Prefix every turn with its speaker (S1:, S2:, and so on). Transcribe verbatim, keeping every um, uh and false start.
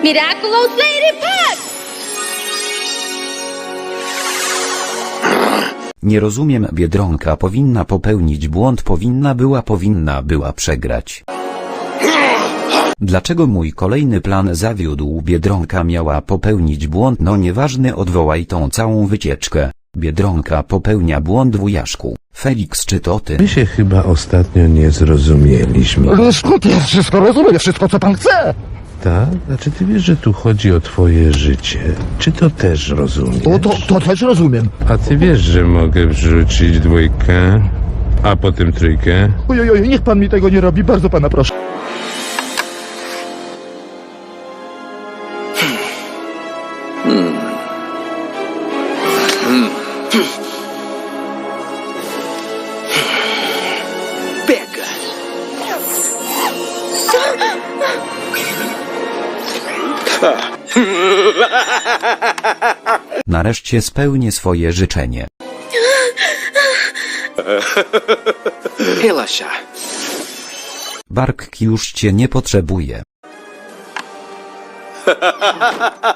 S1: Miraculous Lady Puck!
S2: Nie rozumiem, Biedronka powinna popełnić błąd, powinna była, powinna była przegrać. Dlaczego mój kolejny plan zawiódł? Biedronka miała popełnić błąd, no nieważne, odwołaj tą całą wycieczkę. Biedronka popełnia błąd, wujaszku. Felix, czy to ty?
S3: My się chyba ostatnio nie zrozumieliśmy.
S4: Ale skąd ja wszystko rozumiem, wszystko co pan chce?
S3: Tak? A czy ty wiesz, że tu chodzi o twoje życie? Czy to też rozumiesz?
S4: O, to, to też rozumiem.
S3: A ty wiesz, że mogę wrzucić dwójkę, a potem trójkę?
S4: Ojoj, oj, niech pan mi tego nie robi, bardzo pana proszę.
S2: Nareszcie spełnię swoje życzenie.
S5: Helasia.
S2: Bark już cię nie potrzebuje.